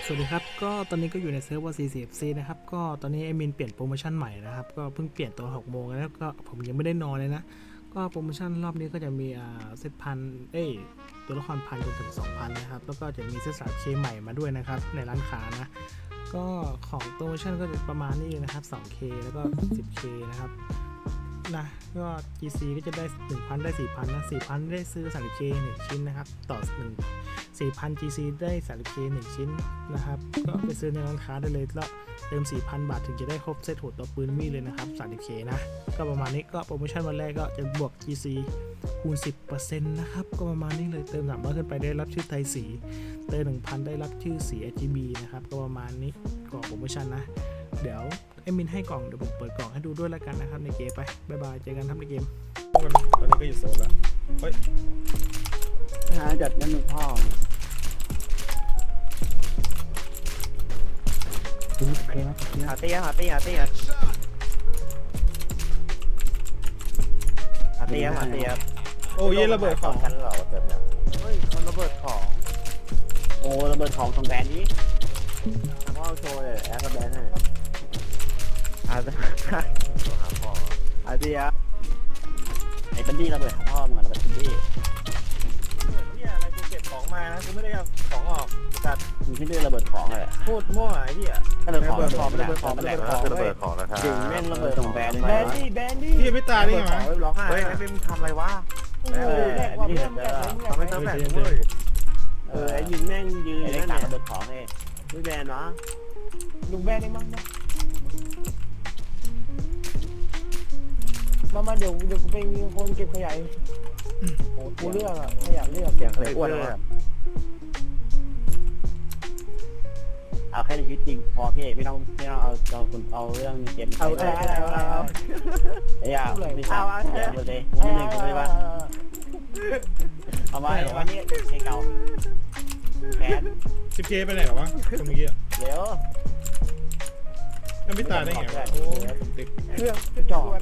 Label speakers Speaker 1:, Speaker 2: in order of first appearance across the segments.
Speaker 1: สวัสดีครับก็ตอนนี้ก็อยู่ในเซิร์ฟเวอร์ 40FC นะครับก็ตอนนี้ไอมินเปลี่ยนโปรโมชั่นใหม่นะครับก็เพิ่งเปลี่ยนตัว6โมงแล้วก็ผมยังไม่ได้นอนเลยนะก็โปรโมชั่นรอบนี้ก็จะมีเซตพันตัวละครพันจนถึง 2,000 นะครับแล้วก็จะมีเซต3K ใหม่มาด้วยนะครับในร้านค้านะก็ของโปรโมชั่นก็จะประมาณนี้นะครับ 2K แล้วก็ 10K นะครับนะก็ GC ก็จะได้ 1,000 ได้ 4,000 นะ 4,000 ได้ซื้อ 30K 1 ชิ้นนะครับต่อ4,000 GC ได้ 30K 1 ชิ้นนะครับก็ไปซื้อในร้านค้าได้เลยแล้วเติม 4,000 บาทถึงจะได้ครบเซตหัวตัวปืนมีเลยนะครับ 30K นะก็ประมาณนี้ก็โปรโมชั่นวันแรกก็จะบวก GC คูณ 10% นะครับก็ประมาณนี้เลยเติม300ขึ้นไปได้รับชื่อไทยสีเติม 1,000 ได้รับชื่อสี RGB นะครับก็ประมาณนี้กล่องโปรโมชั่นนะเดี๋ยวไอ้มินให้กล่องเดี๋ยวผมเปิดกล่องให้ดูด้วยแล้วกันนะครับในเกมไปบ๊ายบายเจอกันครับในเกมตอนนี้ก็อยู่โซนแล้วเฮ้ย
Speaker 2: จัดนั่นหนึ่งพ่อหาเตี้ย
Speaker 1: โอ้ยระเบิดของ
Speaker 2: กันเหรอเติมเนี่ยเฮ้ยมันระเบิดของโอ้ระเบิดของแบรนด์นี้ทำว่าโชว์เลยแอร์กับแบรนด์ให้เตี้ยไอ้บันดี้ระเบิดพ่อมึงระเบิดบันดี้
Speaker 3: เนี่ยอะไรกูเก็บของมานะกูไม่ได้เอาของออกจัด
Speaker 2: มึงที่ดื้อระเบิดของเลย
Speaker 3: พูดมั่วไอ้ที่
Speaker 2: ระเบิดของ
Speaker 3: ระเบิดของนะครับ
Speaker 2: จริงแม่งระเบิดของแบรนด์
Speaker 3: ดี้พี่ไม่ตายได้ไงร้องไห้เฮ้ยไม่มึงทำอะไรวะ
Speaker 2: นี่
Speaker 3: ทำให้เติมแบกเว้ย
Speaker 2: ไอ้ยิงแม่งยืนอยู่นั่นระเบิดของเองดูแบรนด์เนาะ
Speaker 4: ลุงแบรนด์เองมั้งมาเดี๋ยวกูเป็นคนเก็บขยะกูเลือกขยะเลือก
Speaker 2: เสียงเคยอ้วนเลยเอาแค่ในชีวิตจริงพอพี่ไม่ต้องเอาเรื่องเกม
Speaker 4: เอา
Speaker 2: ไอ้ยาไม่ใช่เลยไม่หนึ่งเลยว่าเอาไว้วันนี้ใช้เก่าแขน
Speaker 3: 10K ไปไหนหรอวะตรงนี้
Speaker 2: เดี๋ยว
Speaker 3: ไม่ตายได้ไงโอ้ติด
Speaker 4: เครื่องจอด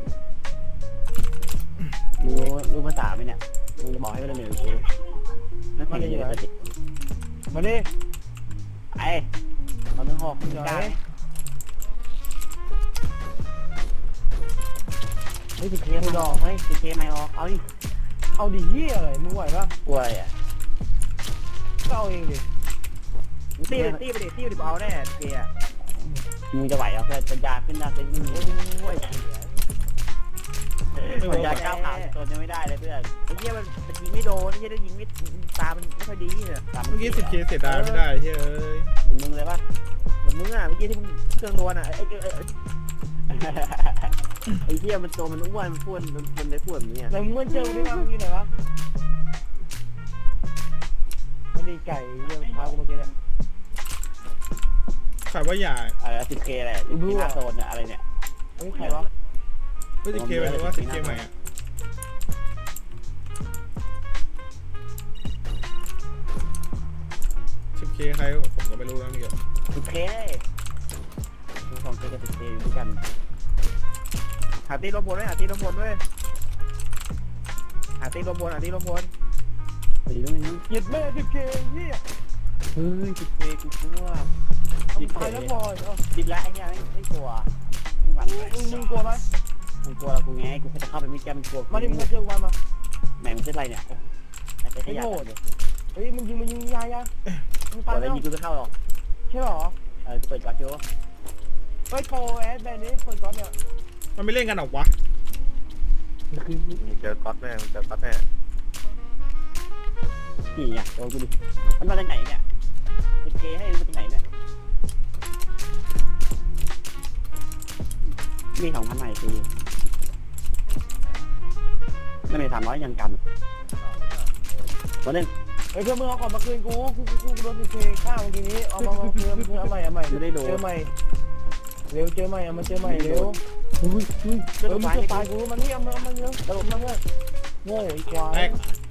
Speaker 2: รู้ภาษาไหมเนี่ยมึงจะบอกให้ไม่ได้เหนื่อยกูนั่นคืออยู่ในสติ
Speaker 4: มาดิ
Speaker 2: ไอ้ตอนนึงหอกได้เฮ้ย10Kไม่ออกเฮ้ย10Kไม่ออก
Speaker 4: เอาดิเหี้ยอะไรมึงไหวปะ
Speaker 2: กลัวอะไรอ่ะ
Speaker 4: ก็เอาเองดิ
Speaker 3: ตีไปดิเอาแน่เกียร์
Speaker 2: มึงจะไหวเอาเพื่อนปัญญาขึ้นได้เป็นโอ้ยปัญญาก้าวขาตัวจะไม่ได้เลยเพื่อน
Speaker 3: ไอ้เหี้ยมันยิงไม่โดนไอ้เหี้ยได้ยิงไม่ตามันไม่ค่อยดีเนี่ย
Speaker 1: เมื่อกี้ 10K เสียดายไม่ได้เฮ้ย
Speaker 2: มึงเลยปะ
Speaker 3: เหมือนมึงอ่ะเมื่อกี้ที่มึงเครื่องโดนอ่ะ
Speaker 2: ไอ้เหี้ยมันโตมันอ้วนมันพูดมันได้พูดแบบนี้
Speaker 4: แต่มึงเจอได้มาเมื่อกี้ไหนวะมันดีไก่เยี่ยมพากูเมื่อกี้เนี่ย
Speaker 1: ขายว่าใหญ่
Speaker 2: 10K อะไรที่หน้าโซนเนี่ยอะไรเนี่ย
Speaker 4: เฮ้ยใครวะ
Speaker 1: เฮ้ย 10K หมายถึงว่า 10K ใหม่อ่ะ10K ใครผมก็ไม่รู้นะนี่ก็
Speaker 2: 10K ดูของ K กับ 10K อยู่ด้วยกัน
Speaker 3: หาตีลมบนด้วยหาตีลมบนด้วย
Speaker 2: สีด้วยมั้ย
Speaker 4: หยิบแม่10K เหี้ย
Speaker 2: เฮ้ย 10K กูกลัว
Speaker 4: ตายแล้วพอ
Speaker 2: ดิบละไอ้เนี่ยไม่กลัวไม่หวั่นเลย
Speaker 4: มึงกลัวไหม
Speaker 2: มึงกลัวเรากูไงกูจะเข้าไปไม่แก้มันกลัว
Speaker 4: มาดิมึงเจอวันมา
Speaker 2: แหมมันเป็นไรเนี่ย
Speaker 4: ไอ้โง่เฮ้ยมึงยิงยา
Speaker 2: มึงตายแล้วยิงกูจะเข้าหรอก
Speaker 4: ใช่หรอ
Speaker 2: เปิดก๊อตโจ้
Speaker 4: เฮ้ยโปรแอดแบนนี้เปิดก๊อตเนี่ย
Speaker 1: มันไม่เล่นกันหรอวะ
Speaker 3: เจอก๊อตแน่
Speaker 2: กี่เนี่ยโดนกูดิมันมาจากไหนเนี่ย10Kให้มันจากไหนเนี่ยมี2,000ใหม่สิไม่มี300ยังกำวันนึง
Speaker 4: เฮ้ยเพื่อนมึงเอาของมาคืนกูโดน10Kข้าวเมื่อกี้นี้เอามาคืนเอาใหม่
Speaker 2: ไม่ได้โดน
Speaker 4: เจอใหม่เร็วเจอใหม่เอามาเจอใหม่เร็วมึงจะตายกูมันนี่เอามาเยอะระบบมาเยอะโง่ไอ้ควาย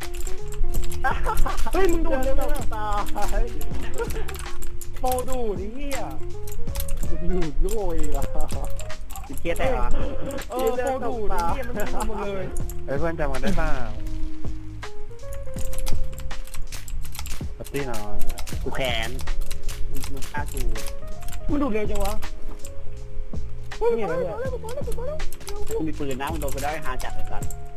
Speaker 4: เฮ้ยมึงดูเร็วตายโปดูดิเฮีย
Speaker 2: ดูโง่อีกอ่ะ10Kแต่
Speaker 4: โปดูดิเฮียมันทำหมดเลย
Speaker 3: เพื่อนจำกันได้ป่าวปาร์ตี้นอน
Speaker 2: กูแขนมันฆ่ากู
Speaker 4: มันดูดเร็วจังวะนี่อะไรเนี่ย
Speaker 2: กูมีปืนนะมึงโดนกูได้หาจัดเลยกัน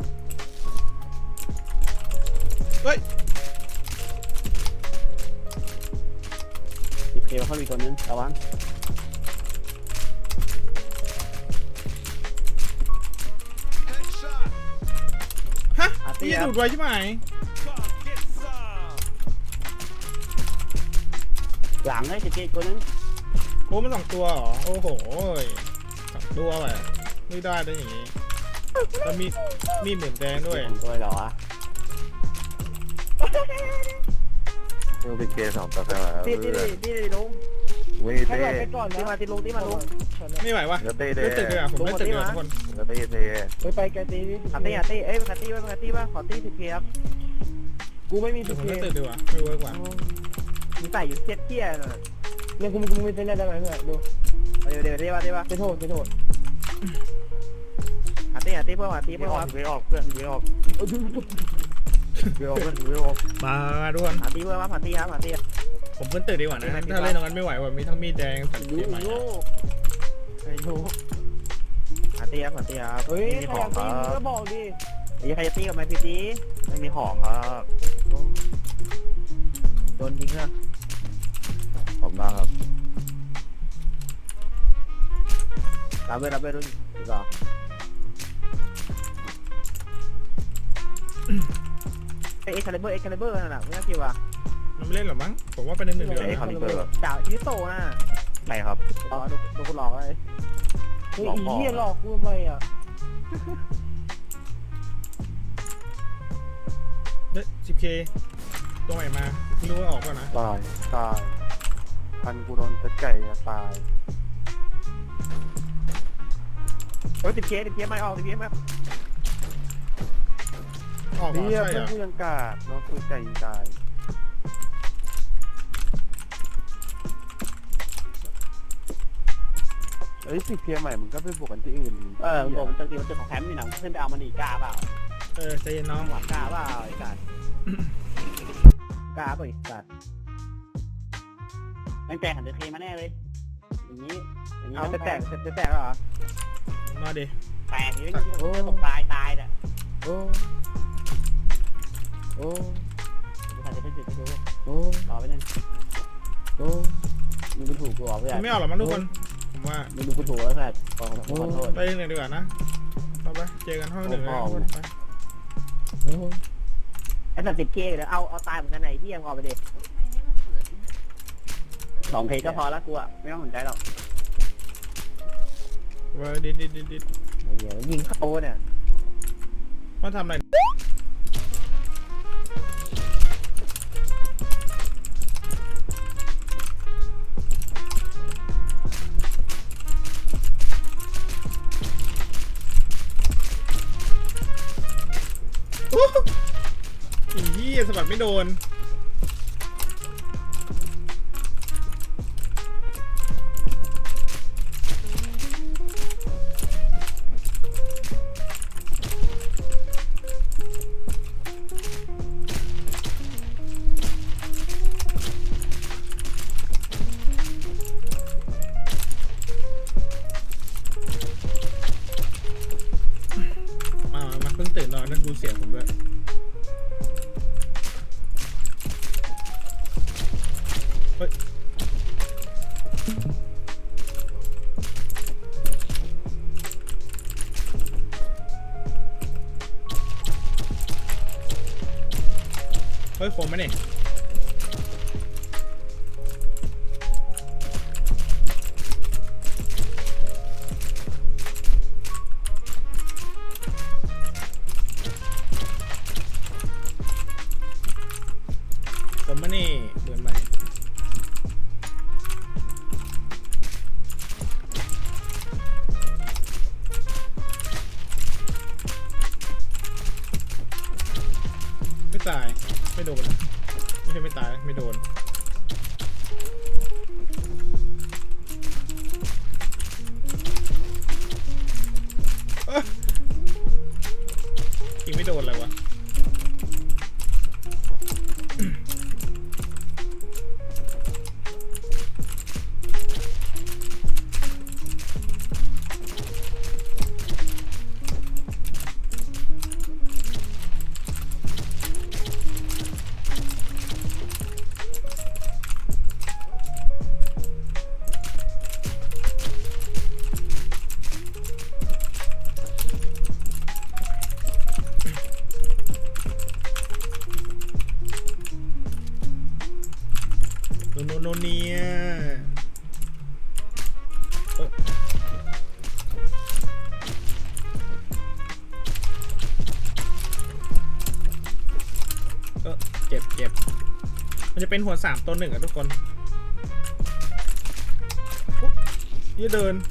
Speaker 1: เฮ้ย
Speaker 2: อีเพลเขามีตัวนึงระวัง
Speaker 1: ฮะนี่ดูดไว้ใช่ไหม
Speaker 2: หลังเลยเจ๊ตัวนึง
Speaker 1: โอ้มัน2 ตัวเหรอโอ้โห2 ตัวแบบไม่ได้ได้อย่างงี้แล้วมีเหมือนแดงด้วย
Speaker 2: ตัวเหรอวะ
Speaker 3: มึงเป็นเกย์2 ตัวแล้ว
Speaker 2: ตีลุง
Speaker 3: วิ่ง
Speaker 4: ให้
Speaker 3: เต้
Speaker 4: เราไปก่อนนะ
Speaker 2: ตีมาลุง
Speaker 1: ไม่ไหววะ
Speaker 3: เดี๋ยวเต้
Speaker 1: เล่นตึกเลยอ่ะผมเล่นตึกเลยทุกคน
Speaker 3: เดี๋ยวเต้
Speaker 4: ไปแกตีนี่
Speaker 2: ขัดตีเอ้ยขัดตีป่ะขอตี10 เคครับ
Speaker 4: กูไม่มี
Speaker 1: เดี๋
Speaker 4: สิ
Speaker 1: ยวผม
Speaker 4: เค
Speaker 1: เล่นตึกดีกว่าไม่เวิร์กว่ะ
Speaker 2: มึงใส่อยู่เทียน่ะ
Speaker 4: เนี่ยกูมีเส้นได้ไหมเพื่อนดู
Speaker 2: เดี๋ยวตีป่ะ
Speaker 4: จะโทษ
Speaker 2: ขัดตีเพื่อนขัดตีเพื่อน
Speaker 3: ไม่ออกเพื่อนไม่ออกไม่ออกเพื่อนไม่ออก
Speaker 1: มาทุกคน
Speaker 2: ขัดตีเพื่อนขัดตีครับขัดตี
Speaker 1: ผมขึ้นตึกดีกว่านะถ้าเล่นตรงนั้นไม่ไหวว่ะมีทั้งมีดแดงสัตว์เกมใหม่
Speaker 2: ไม่รู้ขัดตีครับ
Speaker 4: เฮ้ยใครอยากตีมึงก็บอกดิ
Speaker 2: ใครจะตีกับไม้พีดี
Speaker 3: ไม่มีของครับ
Speaker 2: โดนยิงเหรอ
Speaker 3: ผมมาครับ
Speaker 2: รับไปรุ่นหรอเอ็กคาลิเบอร์นั่นแหละไม่น่าเกี่ยวอ่ะ
Speaker 1: มันไม่เล่นหรอมั้งผมว่าเป็น1-1เดียว
Speaker 3: ไอ้คาลิเบอร์
Speaker 2: จ่าชิโตน่ะ
Speaker 3: ไหนครับ
Speaker 2: อ๋อดูคุณหลอกเลย
Speaker 4: เฮ้ยอีเหี้ยหลอกกูทำไมอ่ะ
Speaker 1: เฮ้ย 10K ตัวใหม่มาไม่รู้ว่าออกป่ะนะ
Speaker 3: ตายพันกูโดนตะไก่ตาย
Speaker 2: โอ้ย10 เคไม่ออก10 เคไม่
Speaker 1: ออกเหรอ
Speaker 3: เนี่ย
Speaker 1: ใช่
Speaker 3: เพื่อน
Speaker 1: เหรอ
Speaker 3: กูยังกาดน้องคือไก่ตายเอ้ย10 เคใหม่มึงก็ไปบวกกันที่อื่น
Speaker 2: ผมจริงๆมันจะของแคมป์นี่นะขึ้นไปเอามันอีกกล้าเปล่า
Speaker 1: ใจเย็นน้อง
Speaker 2: หวังกล้าเปล่าไอ้สัตว์กล้าเปล่าไอ้สัตว์แม่งแตกหัน10 เคมาแน่เลยอย่างนี้เอาจะแตกเหรอ
Speaker 1: มาดิ
Speaker 2: แตกอย่างนี้ตกตายเนี่ย
Speaker 4: โอ้
Speaker 2: ดูใครจะไปจุดไปดู
Speaker 4: โอ้
Speaker 2: รอไปนึง
Speaker 4: โอ้
Speaker 2: มึงดูถูกกูเหรอเพื่อน
Speaker 1: มันไม่ออกหรอกมั้งทุกคนผมว่า
Speaker 2: มึงดูกูถูกแล้วเพื่อนขอโทษ
Speaker 1: ไป1ดีกว่านะไปเจอกันห้อง1เลยทุกคนไป
Speaker 2: ไอ้สัตว์10 เคเลยเอาตายเหมือนกันไหนที่ยังออกไปดิ2 เคก็พอแล้วกูอ่ะไม่ต้องสนใจหรอก
Speaker 1: เว้ยดิด
Speaker 2: ยิงเข้าเนี่ย
Speaker 1: มาทำอะไรอีเหี้ยสะบัดไม่โดนมาเพิ่งตื่นนอนนั่นดูเสียงผมด้วยเฮ้ยคมไหมเนี่ยผมมานี่เดือนใหม่ไม่ตายไม่โดนเนี่ยเจ็บมันจะเป็นหัว3ตัว1อ่ะทุกคนนี่เดิน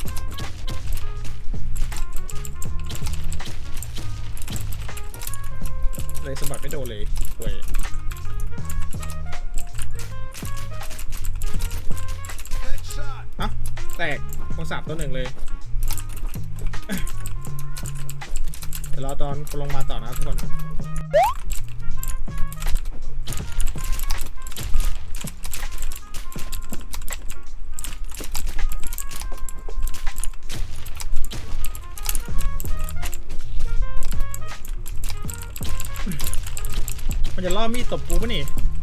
Speaker 1: เลยสะบัดไม่โดนเลยห่วยอะแตกหัว3ตัว1เลยเดี๋ยวรอตอนลงมาต่อนะครับทุกคนมันจะล่อมีดตบกูปะนี่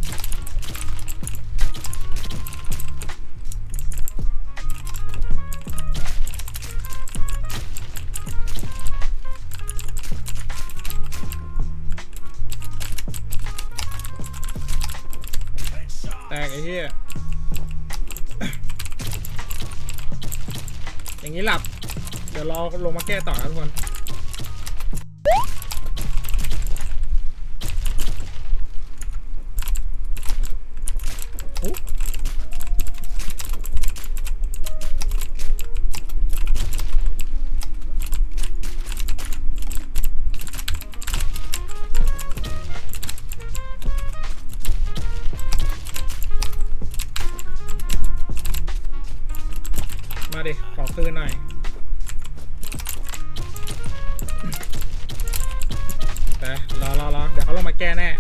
Speaker 1: แตกไอ้เหี้ย อย่างนี้หลับ เดี๋ยวรอลงมาแก้ต่อนะทุกคนมาดิ ขอคืนหน่อยแต่รอเดี๋ยวเขาลงมาแก้แน่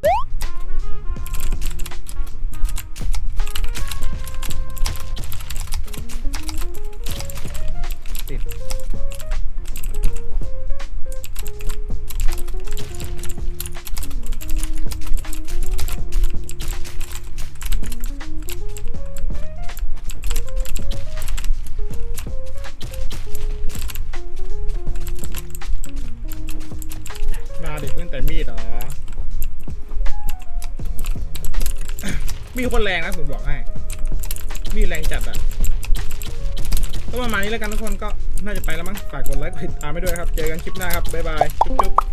Speaker 1: ติดมาดิเล่นแต่มีดเหรอ มีคนแรงนะผมบอกให้ มีแรงจัดอ่ะก็ประมาณนี้แล้วกันทุกคนก็น่าจะไปแล้วมั้งฝากกดไลค์กดติดตามไปด้วยครับ เจอกันคลิปหน้าครับ บ๊ายบาย จุ๊บ